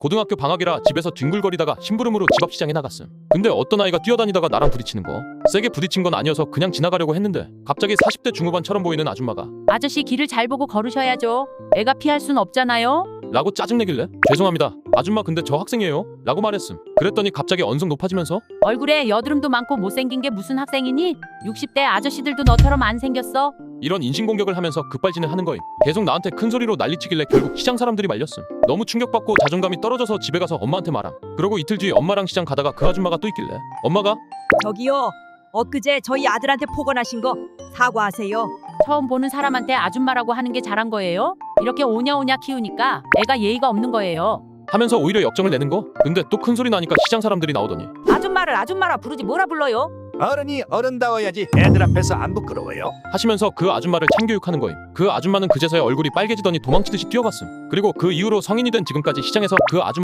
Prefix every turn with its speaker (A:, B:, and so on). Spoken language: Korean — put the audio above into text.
A: 고등학교 방학이라 집에서 뒹굴거리다가 심부름으로 집 앞 시장에 나갔음. 근데 어떤 아이가 뛰어다니다가 나랑 부딪히는 거. 세게 부딪힌 건 아니어서 그냥 지나가려고 했는데 갑자기 40대 중후반처럼 보이는 아줌마가
B: 아저씨 길을 잘 보고 걸으셔야죠. 애가 피할 순 없잖아요.
A: 라고 짜증내길래 죄송합니다 아줌마 근데 저 학생이에요 라고 말했음. 그랬더니 갑자기 언성 높아지면서
B: 얼굴에 여드름도 많고 못생긴 게 무슨 학생이니? 60대 아저씨들도 너처럼 안 생겼어.
A: 이런 인신공격을 하면서 급발진을 하는 거임. 계속 나한테 큰소리로 난리치길래 결국 시장 사람들이 말렸음. 너무 충격받고 자존감이 떨어져서 집에 가서 엄마한테 말함. 그러고 이틀 뒤 엄마랑 시장 가다가 그 아줌마가 또 있길래 엄마가
C: 저기요. 엊그제 저희 아들한테 폭언하신 거 사과하세요.
B: 처음 보는 사람한테 아줌마라고 하는 게 잘한 거예요? 이렇게 오냐오냐 키우니까 애가 예의가 없는 거예요.
A: 하면서 오히려 역정을 내는 거. 근데 또 큰소리 나니까 시장 사람들이 나오더니
C: 아줌마를 아줌마라 부르지 뭐라 불러요?
D: 어른이 어른다워야지 애들 앞에서 안 부끄러워요?
A: 하시면서 그 아줌마를 참교육하는 거임. 그 아줌마는 그제서야 얼굴이 빨개지더니 도망치듯이 뛰어갔음. 그리고 그 이후로 성인이 된 지금까지 시장에서 그 아줌마